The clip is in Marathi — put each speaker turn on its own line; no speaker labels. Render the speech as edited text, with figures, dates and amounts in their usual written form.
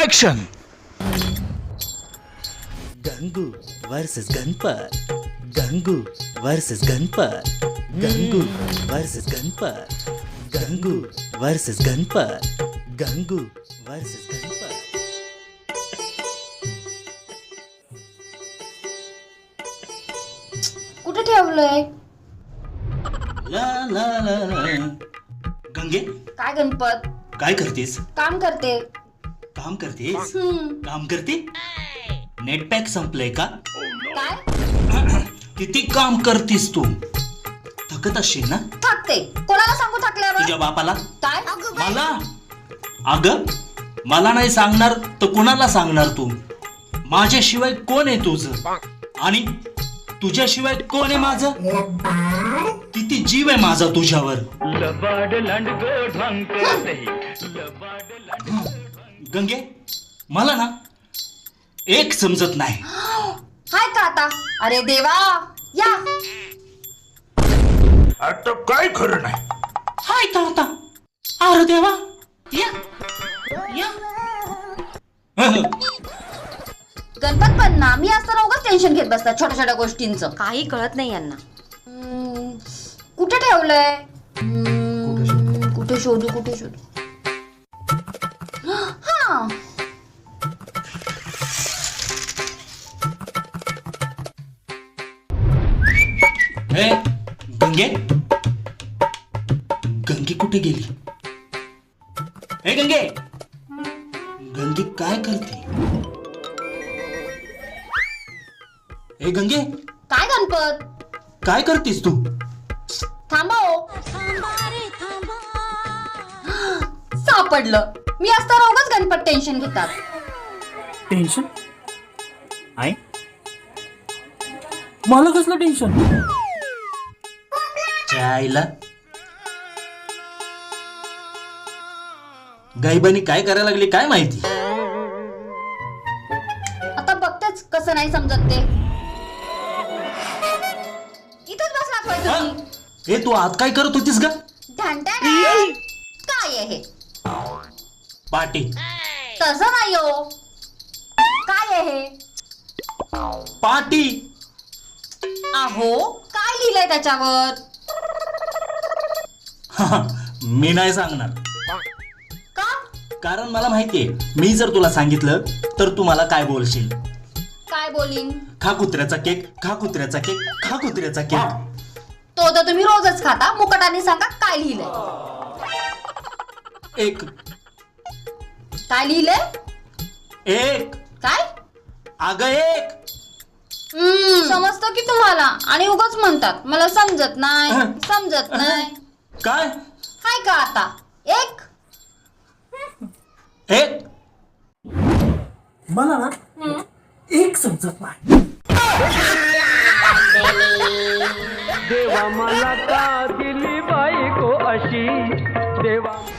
Action.
Gangu versus Ganpat. Gangu versus Ganpat. Gangu versus Ganpat. Gangu versus Ganpat. Gangu versus Ganpat.
कुठे ठेवलंय?
ला ला ला ला. गंगे
काय गणपत?
काय करतेस?
काम करते.
काम करतेस? काम करते? नेट पॅक संपलंय का?
काय?
किती काम करतेस तू? थकत असशील ना?
थकते. कोणाला सांगू थकल्यावर?
तुझ्या बापाला?
काय?
मला? अगं मला नाही सांगणार तर कुणाला सांगणार तू? माझ्याशिवाय कोण आहे तुझं? आणि तुझ्याशिवाय कोण आहे माझं? किती जीव आहे माझा तुझ्यावर? गंगे मला ना एक समजत नाही.
हाय का आता? अरे देवा, या.
आता काय खरं नाही.
हाय का आता? अरे देवा, या या.
गणपत पण ना, मी असताना उगाच टेन्शन घेत बसतात छोट्या छोट्या गोष्टींचं.
काही कळत नाही यांना.
कुठे ठेवलंय? कुठे शोधू कुठे शोधू? हा,
ए, गंगे गंगे कुठे गेली? ए गंगे, गंगे काय करते? ए गंगे
काय गणपत?
काय करतेस तू?
थांबा हो. सापडलं. मी असताना उगाच गणपत टेन्शन घेतात.
टेन्शन? आई मला कसलं टेन्शन?
आईला गायबानी काय करायला लागली काय माहिती?
आता बघतेच कसं नाही समजत ते. इथंच बसलात होय तुम्ही?
ए तू आत काय करत होतीस ग?
ढांढण. काय आहे हे?
पाटी.
तसं नाही हो. काय आहे हे?
पाटी.
अहो, काय लिहिलंय त्याच्यावर?
मी नाही सांगणार.
का?
कारण मला माहितीये मी जर तुला सांगितलं तर तू मला काय बोलशील.
काय बोलीन?
खा कुत्र्याचा केक, खा कुत्र्याचा केक, खा कुत्र्याचा केक.
तो तर तुम्ही रोजच खाता. मुकटाने सांगा काय लिहिलंय?
एक
काय लिहिलंय?
एक
काय?
अगं एक.
समजतं की तुम्हाला आणि उगाच म्हणतात मला समजत नाही समजत नाही.
काय?
हाय का आता? एक
एक
मला ना एक समजत नाही.
देवा मला का दिली बायको अशी? देवा